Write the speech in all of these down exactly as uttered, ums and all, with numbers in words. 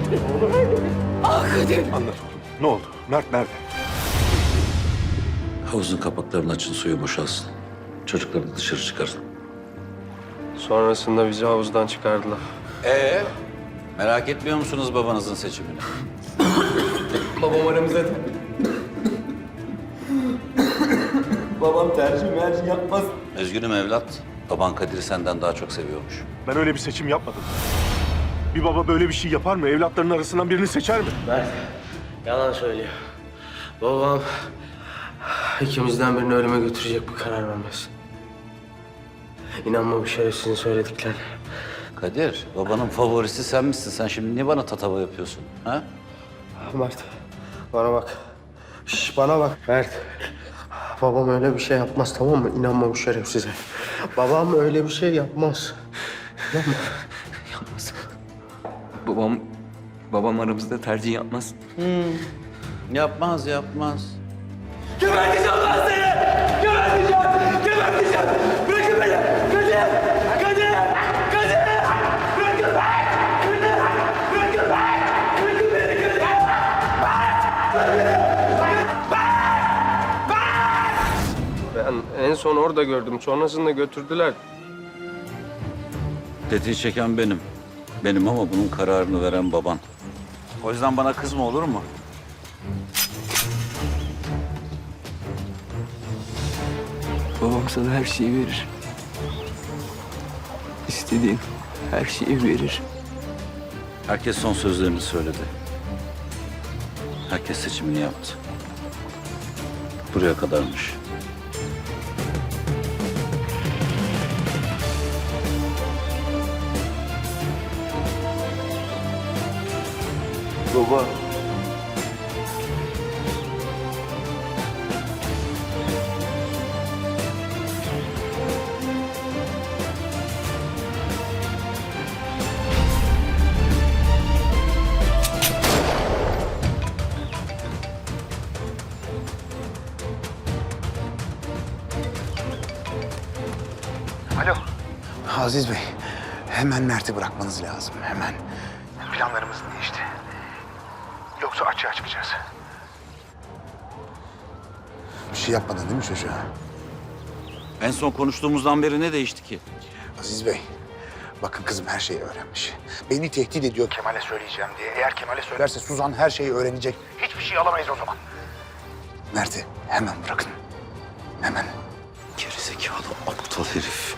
Ah Kadir. Anlat oğlum. Ne oldu? Mert nerede? Havuzun kapaklarını açın, suyu boşalsın. Çocukları dışarı çıkarın. Sonrasında bizi havuzdan çıkardılar. Ee, merak etmiyor musunuz babanızın seçimini? Babam aramızda. Babam tercih mercih yapmaz. Üzgünüm evlat. Baban Kadir'i senden daha çok seviyormuş. Ben öyle bir seçim yapmadım. Bir baba böyle bir şey yapar mı? Evlatlarının arasından birini seçer mi? Mert yalan söylüyor. Babam ikimizden birini ölüme götürecek bir karar vermez. İnanma bu şerefsizin söylediklerine. Kadir, babanın favorisi sen misin? Sen şimdi niye bana tatava yapıyorsun? Ha? Mert bana bak. Şş, bana bak Mert. Babam öyle bir şey yapmaz, tamam mı? İnanma bu şerefsize. Babam öyle bir şey yapmaz. Yapma. Yapmaz. Babam, babam aramızda tercih yapmaz. Yapmaz, yapmaz. Geberteceğim ben seni! Geberteceğim! Geberteceğim! Bırakın beni! Kadir! Kadir! Kadir! Bırakın beni! Kadir! Bırakın beni! Bırakın beni Kadir! Ben en son orada gördüm. Sonrasında götürdüler. Tetiği çeken benim. Benim ama bunun kararını veren baban. O yüzden bana kızma, olur mu? Babam sana her şeyi verir. İstediğin her şeyi verir. Herkes son sözlerini söyledi. Herkes seçimini yaptı. Buraya kadarmış. Baba. Alo. Aziz Bey, hemen Mert'i bırakmanız lazım, hemen. Planlarımız değişti. Yoksa açığa çıkacağız. Bir şey yapmadın değil mi çocuğa? En son konuştuğumuzdan beri ne değişti ki? Aziz Bey, bakın kızım her şeyi öğrenmiş. Beni tehdit ediyor Kemal'e söyleyeceğim diye. Eğer Kemal'e söylerse Suzan her şeyi öğrenecek. Hiçbir şey alamayız o zaman. Mert'i hemen bırakın. Hemen. Gerizekalı, aptal herif.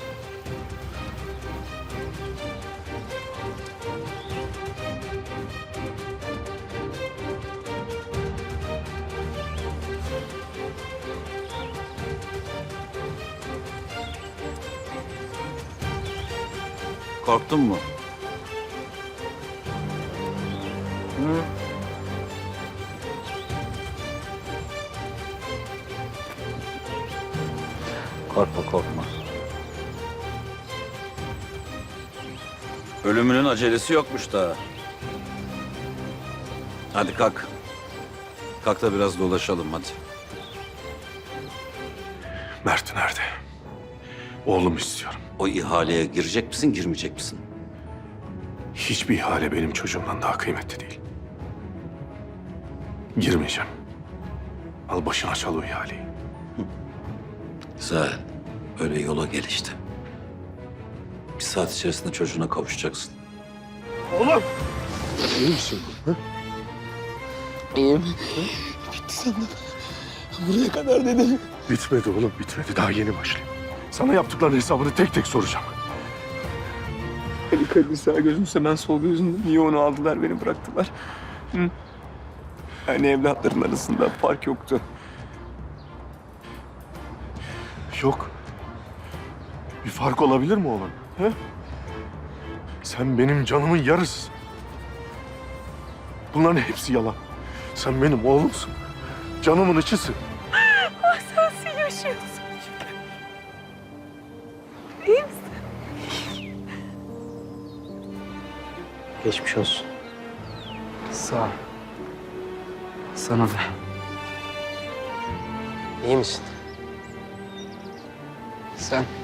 Korktun mu? Hı? Korkma, korkma. Ölümünün acelesi yokmuş daha. Hadi kalk. Kalk da biraz dolaşalım hadi. Mert nerede? Oğlum istiyorum. O ihaleye girecek misin, girmeyecek misin? Hiçbir ihale benim çocuğumdan daha kıymetli değil. Girmeyeceğim. Al başına çal o ihaleyi. Güzel. Öyle yola gel işte. Bir saat içerisinde çocuğuna kavuşacaksın. Oğlum! İyi misin? Hı? İyiyim. Bitti sandım. Buraya kadar dedim. Bitmedi oğlum, bitmedi. Daha yeni başlıyor. Sana yaptıklarının hesabını tek tek soracağım. Ali Kadir sağ gözümse ben sol gözümde. Niye onu aldılar, beni bıraktılar? Hı? Yani evlatların arasında fark yoktu. Yok. Bir fark olabilir mi oğlum? He? Sen benim canımın yarısısın. Bunların hepsi yalan. Sen benim oğlumsun. Canımın içisin. Ah sensin yaşıyorsun. İyi misin? Geçmiş olsun. Sağ ol. Sana da. İyi misin? Sen?